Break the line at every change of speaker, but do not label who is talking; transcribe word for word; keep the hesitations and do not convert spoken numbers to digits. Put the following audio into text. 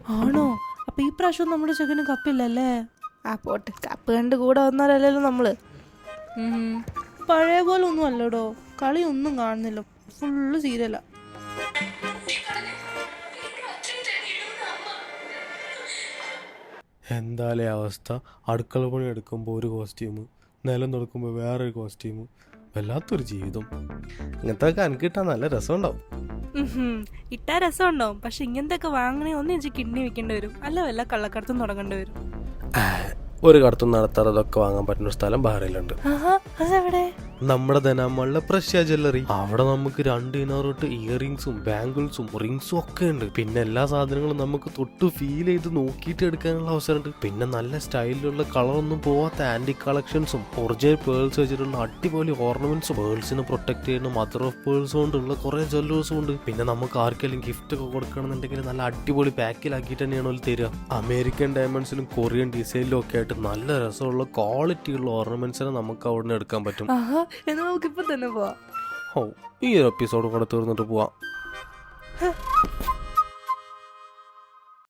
ആണോ? അപ്പൊ ഈ പ്രാവശ്യം നമ്മുടെ ചെക്കന് കപ്പില്ലല്ലേ? ആ പോട്ട്, കപ്പ് കണ്ട് കൂടെ വന്നാലല്ലോ നമ്മള്. പഴയ പോലെ ഒന്നും അല്ലടോ, കളി ഒന്നും കാണുന്നില്ല, ഫുള്ള് സീരിയലാ.
എന്തായാലും അവസ്ഥ, അടുക്കള പണി എടുക്കുമ്പോൾ ഒരു കോസ്റ്റ്യൂം, നിലം തുറക്കുമ്പോൾ വേറൊരു കോസ്റ്റ്യൂം, വല്ലാത്തൊരു ജീവിതം. ഇങ്ങനത്തെ ഒക്കെ എനിക്ക് കിട്ടാൻ നല്ല രസമുണ്ടാവും.
ഇട്ടാ രസം ഉണ്ടാവും, പക്ഷെ ഇങ്ങനത്തെ ഒക്കെ വാങ്ങണേ ഒന്ന് എനിക്ക് കിഡ്നി വെക്കേണ്ടി വരും, അല്ല വല്ല കള്ളക്കടത്തും തുടങ്ങേണ്ടി വരും.
ഒരു കടത്തും നടത്താറതൊക്കെ വാങ്ങാൻ പറ്റുന്ന ഒരു സ്ഥലം ബഹ്റൈനിലുണ്ട്.
അതെവിടെ?
നമ്മുടെ ധനാമളിലെ പ്രഷ്യ ജ്വല്ലറി. അവിടെ നമുക്ക് രണ്ട് ദിനാർ തൊട്ട് ഇയറിങ്സും ബാംഗിൾസും റിങ്സും ഒക്കെ ഉണ്ട്. പിന്നെ എല്ലാ സാധനങ്ങളും നമുക്ക് തൊട്ട് ഫീൽ ചെയ്ത് നോക്കിയിട്ട് എടുക്കാനുള്ള അവസരമുണ്ട്. പിന്നെ നല്ല സ്റ്റൈലിലുള്ള കളറൊന്നും പോവാത്ത ആന്റി കളക്ഷൻസും ഒറിജിനൽ പേൾസ് വെച്ചിട്ടുള്ള അടിപൊളി ഓർണമെന്റ്സും പേൾസിനെ പ്രൊട്ടക്ട് ചെയ്യുന്ന മദർ ഓഫ് പേൾസ് കൊണ്ടുള്ള കുറെ ജ്വല്ലേഴ്സും ഉണ്ട്. പിന്നെ നമുക്ക് ആർക്കെങ്കിലും ഗിഫ്റ്റ് ഒക്കെ കൊടുക്കണമെന്നുണ്ടെങ്കിൽ നല്ല അടിപൊളി പാക്കിലാക്കിയിട്ട് തന്നെയാണ് അവർ തരിക. അമേരിക്കൻ ഡയമണ്ട്സിലും കൊറിയൻ ഡിസൈനിലും ഒക്കെ ആയിട്ട് നല്ല രസമുള്ള ക്വാളിറ്റിയുള്ള ഓർണമെന്റ്സിനെ നമുക്ക് അവിടെ നിന്ന് എടുക്കാൻ പറ്റും.
എന്നാ നമുക്കിപ്പോ തന്നെ പോവാം.
ഓ, ഈ ഒരു എപ്പിസോഡ് കൂടെ തീർന്നിട്ട് പോവാം.